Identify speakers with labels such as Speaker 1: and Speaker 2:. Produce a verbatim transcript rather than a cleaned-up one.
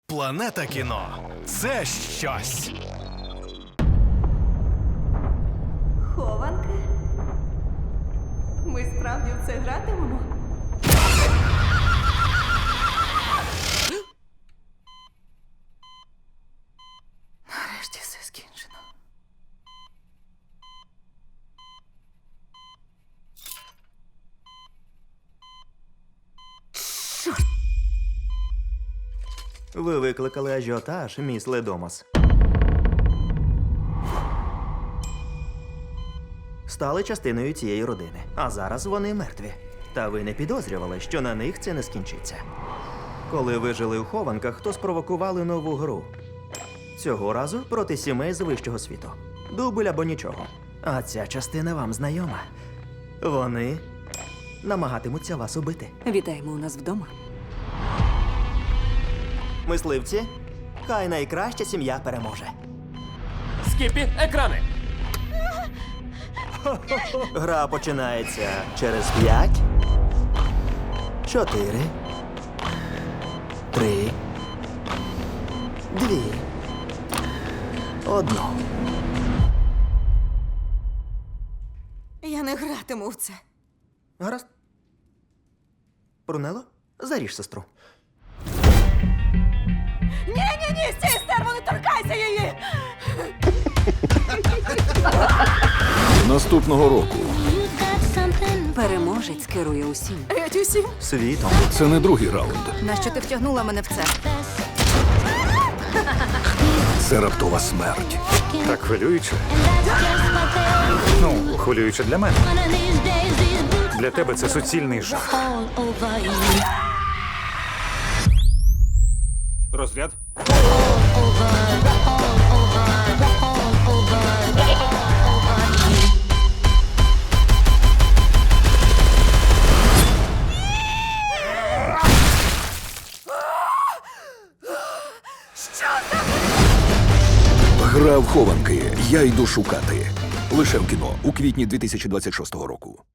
Speaker 1: Планета кіно – це щось.
Speaker 2: Хованки? Ми справді в це гратимемо? Нарешті все скінчено.
Speaker 3: Ви викликали ажіотаж, міс Ледомас. Стали частиною цієї родини, а зараз вони мертві. Та ви не підозрювали, що на них це не скінчиться. Коли ви жили у хованках, то спровокували нову гру. Цього разу проти сімей з вищого світу. Дубль або нічого. А ця частина вам знайома. Вони намагатимуться вас убити.
Speaker 2: Вітаємо у нас вдома.
Speaker 3: Мисливці, хай найкраща сім'я переможе.
Speaker 4: Скіпі, екрани!
Speaker 3: Гра починається через п'ять, чотири, три, дві, одну.
Speaker 2: Я не гратиму в це.
Speaker 3: Гаразд. Брунело, заріж сестру.
Speaker 2: Ні-ні-ні, стій, стерво, не торкайся її!
Speaker 5: Наступного року
Speaker 6: Переможець керує усім.
Speaker 2: Геть усім.
Speaker 3: Світом.
Speaker 5: це не другий раунд.
Speaker 6: Нащо ти втягнула мене в це?
Speaker 5: Це раптова смерть.
Speaker 4: Так хвилююче. Ну, хвилююче для мене. Для тебе це суцільний жах. Розряд?
Speaker 5: Гра в хованки. Я йду шукати. Лише в кіно у квітні дві тисячі двадцять шостого року.